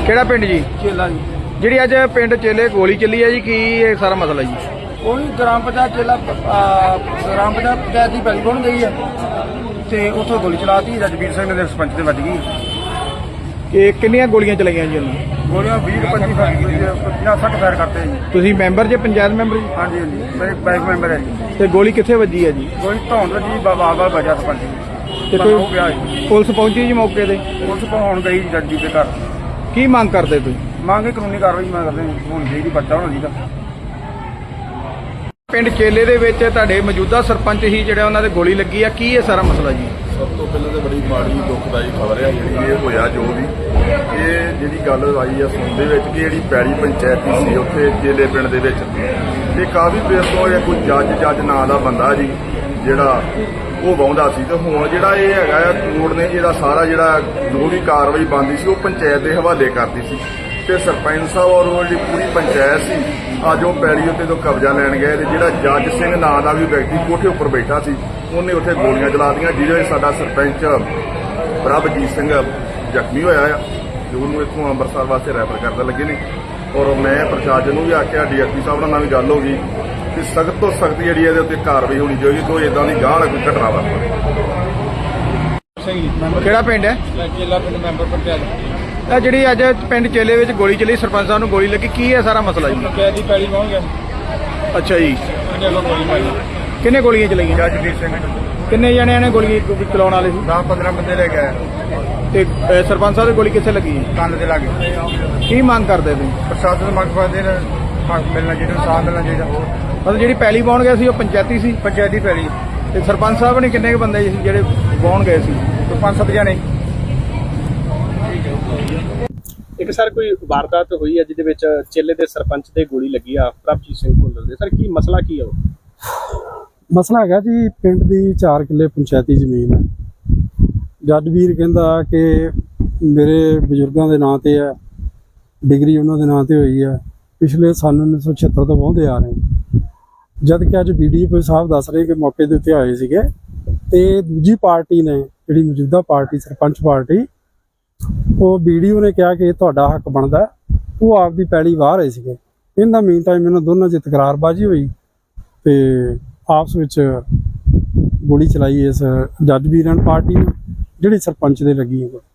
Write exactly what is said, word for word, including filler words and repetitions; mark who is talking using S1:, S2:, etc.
S1: ਕਿਹੜਾ ਪਿੰਡ ਜੀ?
S2: ਚੇਲਾ ਜੀ।
S1: ਜਿਹੜੀ ਅੱਜ ਪਿੰਡ ਚੇਲੇ ਗੋਲੀ ਚੱਲੀ ਹੈ ਜੀ, ਕੀ ਇਹ ਸਾਰਾ ਮਸਲਾ ਜੀ?
S2: ਉਹੀ ਗ੍ਰਾਮ ਪੰਚਾਇਤ ਚੇਲਾ ਗ੍ਰਾਮ ਪੰਚਾਇਤ ਪੰਚਾਇਤ ਦੀ ਪੈਲੀ ਬਣ ਗਈ ਹੈ ਤੇ ਉੱਥੋਂ ਗੋਲੀ ਚਲਾਤੀ। ਰਜਵੀਰ ਸਿੰਘ ਦੇ ਸਰਪੰਚ ਦੇ ਵੱਜ ਗਈ।
S1: ਕਿ ਕਿੰਨੀਆਂ ਗੋਲੀਆਂ ਚਲਾਈਆਂ ਜੀ ਉਹਨੂੰ?
S2: ਗੋਲੀਆਂ ਵੀਹ ਪੱਚੀ ਪੰਜਾਹ ਸੱਠ ਫਾਇਰ ਕਰਤੇ ਜੀ।
S1: ਤੁਸੀਂ ਮੈਂਬਰ ਜੇ ਪੰਚਾਇਤ ਮੈਂਬਰ ਜੀ?
S2: ਹਾਂਜੀ ਹਾਂਜੀ, ਮੈਂ ਬੈਂਕ ਮੈਂਬਰ ਹੈ ਜੀ।
S1: ਤੇ ਗੋਲੀ ਕਿੱਥੇ ਵੱਜੀ ਹੈ ਜੀ?
S2: ਗੋਲੀ ਧੌਣ ਜੀ ਬਾਬਾ ਬਾਬਾ ਵਜਾ ਸਰਪੰਚ ਜੀ।
S1: ਤੇ
S2: ਹੋ
S1: ਕੋਈ
S2: ਗਿਆ ਜੀ।
S1: ਪੁਲਿਸ ਪਹੁੰਚੀ ਜੀ ਮੌਕੇ ਤੇ?
S2: ਪੁਲਿਸ ਪਹੁੰਚ ਗਈ ਜੀ ਜੱਜੀ ਦੇ ਘਰ।
S1: ਕੀ ਮੰਗ ਕਰਦੇ ਤੁਸੀਂ?
S2: ਮੰਗੇ ਕਾਨੂੰਨੀ ਕਾਰਵਾਈ ਮੈਂ ਕਰਦੇ ਹੋਣੀ ਚਾਹੀਦੀ, ਬੱਚਾ ਹੋਣਾ ਚਾਹੀਦਾ।
S1: ਪਿੰਡ ਚੇਲੇ ਦੇ ਵਿੱਚ ਤੁਹਾਡੇ ਮੌਜੂਦਾ ਸਰਪੰਚ ਹੀ ਜਿਹੜਾ ਉਹਨਾਂ ਦੇ ਗੋਲੀ ਲੱਗੀ ਆ, ਕੀ ਇਹ ਸਾਰਾ ਮਸਲਾ ਜੀ?
S3: ਸਭ ਤੋਂ ਪਹਿਲਾਂ ਤਾਂ ਬੜੀ ਮਾੜੀ ਦੁਖਦਾਈ ਖਬਰ ਹੈ ਜਿਹੜੀ ਇਹ ਹੋਇਆ। ਜੋ ਵੀ ਇਹ ਜਿਹੜੀ ਗੱਲ ਆਈ ਆ ਸੁਣ ਦੇ ਵਿੱਚ ਕਿ ਜਿਹੜੀ ਪੈੜੀ ਪੰਚਾਇਤੀ ਸੀ ਉੱਥੇ ਚੇਲੇ ਪਿੰਡ ਦੇ ਵਿੱਚ, ਇਹ ਕਾਫੀ ਦੇਰ ਤੋਂ ਇਹ ਕੋਈ ਜੱਜ ਜੱਜ ਨਾਂ ਦਾ ਬੰਦਾ ਜੀ ਜਿਹੜਾ ਉਹ ਵਾਹੁੰਦਾ ਸੀ। ਤੇ ਹੁਣ ਜਿਹੜਾ ਇਹ ਹੈਗਾ ਆ ਕੋਰਟ ਨੇ ਇਹਦਾ ਸਾਰਾ ਜਿਹੜਾ ਜੋ ਵੀ ਕਾਰਵਾਈ ਬਣਦੀ ਸੀ ਉਹ ਪੰਚਾਇਤ ਦੇ ਹਵਾਲੇ ਕਰਤੀ ਸੀ। ਤੇ ਸਰਪੰਚ ਸਾਹਿਬ ਔਰ ਉਹ ਜਿਹੜੀ ਪੂਰੀ ਪੰਚਾਇਤ ਸੀ ਅੱਜ ਉਹ ਪੈੜੀ ਉੱਤੇ ਤੋਂ ਕਬਜ਼ਾ ਲੈਣ ਗਏ। ਤੇ ਜਿਹੜਾ ਜੱਜ ਸਿੰਘ ਨਾਂ ਦਾ ਵੀ ਵਿਅਕਤੀ ਕੋਠੇ ਉੱਪਰ ਬੈਠਾ ਸੀ ਉਹਨੇ ਉੱਥੇ ਗੋਲੀਆਂ ਚਲਾ ਦਿੱਤੀਆਂ, ਜਿਹਦੇ ਵਿੱਚ ਸਾਡਾ ਸਰਪੰਚ ਪ੍ਰਭਜੀਤ ਸਿੰਘ ਜ਼ਖਮੀ ਹੋਇਆ ਆ ਜੋ ਉਹਨੂੰ ਇੱਥੋਂ ਅੰਮ੍ਰਿਤਸਰ ਵਾਸਤੇ ਰੈਫਰ ਕਰਨ ਲੱਗੇ ਨੇ। ਔਰ ਮੈਂ ਪ੍ਰਸ਼ਾਸਨ ਨੂੰ ਵੀ ਆਖਿਆ, ਡੀਐਸਪੀ ਸਾਹਿਬ ਨਾਲ ਵੀ ਗੱਲ ਹੋ ਗਈ ਕਿ ਸਖਤ ਤੋਂ ਸਖਤ ਜਿਹੜੀ ਇਹਦੇ ਉੱਤੇ ਕਾਰਵਾਈ ਹੋਣੀ ਚਾਹੀਦੀ, ਕੋਈ ਇਦਾਂ ਦੀ ਗਾਹ ਵਾਲਾ ਕੋਈ ਘਟਨਾ ਵਾਪਰੇ।
S1: ਕਿਹੜਾ ਪਿੰਡ ਹੈ?
S2: ਚੇਲਾ ਪਿੰਡ ਮੈਂਬਰ ਪੰਚਾਇਤ।
S1: ਇਹ ਜਿਹੜੀ ਅੱਜ ਪਿੰਡ ਚੇਲੇ ਵਿੱਚ ਗੋਲੀ ਚੱਲੀ, ਸਰਪੰਚ ਸਾਹਿਬ ਨੂੰ ਗੋਲੀ ਲੱਗੀ, ਕੀ ਹੈ ਸਾਰਾ ਮਸਲਾ ਜੀ?
S2: ਪੰਚਾਇਤ ਦੀ ਪੈਲੀ ਪਹੁੰਚ ਗਿਆ।
S1: ਅੱਛਾ ਜੀ,
S2: ਉਹਨੇ ਅੱਗੋਂ ਗੋਲੀ ਮਾਰੀ।
S1: ਕਿੰਨੇ ਗੋਲੀਆਂ ਚਲਾਈਆਂ?
S2: ਜੱਜਵੀਰ ਸਿੰਘ
S1: ਕਿੰਨੇ ਜਣਿਆਂ ਨੇ ਗੋਲੀ ਚਲਾਉਣ ਵਾਲੇ ਸੀ?
S2: ਦਸ ਪੰਦਰਾਂ ਬੰਦੇ ਲੈ ਗਏ।
S1: ਤੇ ਅਹ, ਸਰਪੰਚ ਸਾਹਿਬ ਦੀ ਗੋਲੀ ਕਿੱਥੇ ਲੱਗੀ?
S2: ਕੰਨ ਦੇ ਲਾਗੇ।
S1: ਕੀ ਮੰਗ ਕਰਦੇ ਤੁਸੀਂ?
S2: ਪ੍ਰਸ਼ਾਸਨ ਮੰਗ ਕਰਦੇ ਨੇ ਹੱਕ ਮਿਲਣਾ ਚਾਹੀਦਾ, ਸਾਥ ਮਿਲਣਾ ਚਾਹੀਦਾ।
S1: ਮਤਲਬ ਜਿਹੜੀ ਪੈਲੀ ਪਾਉਣ ਗਏ ਸੀ ਉਹ ਪੰਚਾਇਤੀ ਸੀ?
S2: ਪੰਚਾਇਤੀ ਪੈਲੀ।
S1: ਤੇ ਸਰਪੰਚ ਸਾਹਿਬ ਨੇ ਕਿੰਨੇ ਕੁ ਬੰਦੇ ਸੀ ਜਿਹੜੇ ਪਾਉਣ ਗਏ ਸੀ?
S2: ਕੋਈ ਪੰਜ ਸੱਤ ਜਣੇ।
S4: ਇੱਕ ਸਰ ਕੋਈ ਵਾਰਦਾਤ ਹੋਈ ਹੈ ਜਿਹਦੇ ਵਿੱਚ ਚੇਲੇ ਦੇ ਸਰਪੰਚ ਤੇ ਗੋਲੀ ਲੱਗੀ ਆ, ਪ੍ਰਭਜੀਤ ਸਿੰਘ ਭੁੱਲਰ ਦੇ। ਸਰ ਕੀ ਮਸਲਾ ਕੀ ਹੈ ਉਹ?
S5: ਮਸਲਾ ਹੈਗਾ ਜੀ, ਪਿੰਡ ਦੀ ਚਾਰ ਕਿੱਲੇ ਪੰਚਾਇਤੀ ਜ਼ਮੀਨ ਹੈ। ਜੱਜ ਵੀਰ ਕਹਿੰਦਾ ਕਿ ਮੇਰੇ ਬਜ਼ੁਰਗਾਂ ਦੇ ਨਾਂ ਤੇ ਹੈ, ਡਿਗਰੀ ਉਹਨਾਂ ਦੇ ਨਾਂ ਤੇ ਹੋਈ ਹੈ, ਪਿਛਲੇ ਸਾਲ ਉੱਨੀ ਸੌ ਛਿਹੱਤਰ ਤੋਂ ਵਾਹੁੰਦੇ ਆ ਰਹੇ। ਜਦ ਕਿ ਅੱਜ ਬੀਡੀਪੀ ਸਾਹਿਬ ਦੱਸ ਰਹੇ ਕਿ ਮੌਕੇ ਦੇ ਉੱਤੇ ਆਏ ਸੀਗੇ ਤੇ ਦੂਜੀ ਪਾਰਟੀ ਨੇ, ਜਿਹੜੀ ਮੌਜੂਦਾ ਪਾਰਟੀ ਸਰਪੰਚ ਪਾਰਟੀ, ਉਹ ਵੀਡੀਓ ਨੇ ਕਿਹਾ ਕਿ ਤੁਹਾਡਾ ਹੱਕ ਬਣਦਾ, ਉਹ ਆਪਦੀ ਪੈਲੀ ਵਾਹ ਰਹੇ ਸੀਗੇ। ਇਹਨਾਂ ਮੀਨ ਟਾਈਮ ਇਹਨਾਂ ਦੋਨਾਂ 'ਚ ਤਕਰਾਰਬਾਜ਼ੀ ਹੋਈ ਤੇ ਆਪਸ ਵਿੱਚ ਗੋਲੀ ਚਲਾਈ ਇਸ ਜੱਜ ਵੀਰਨ ਪਾਰਟੀ ਨੂੰ, ਜਿਹੜੀ ਸਰਪੰਚ ਦੇ ਲੱਗੀ ਹੈ।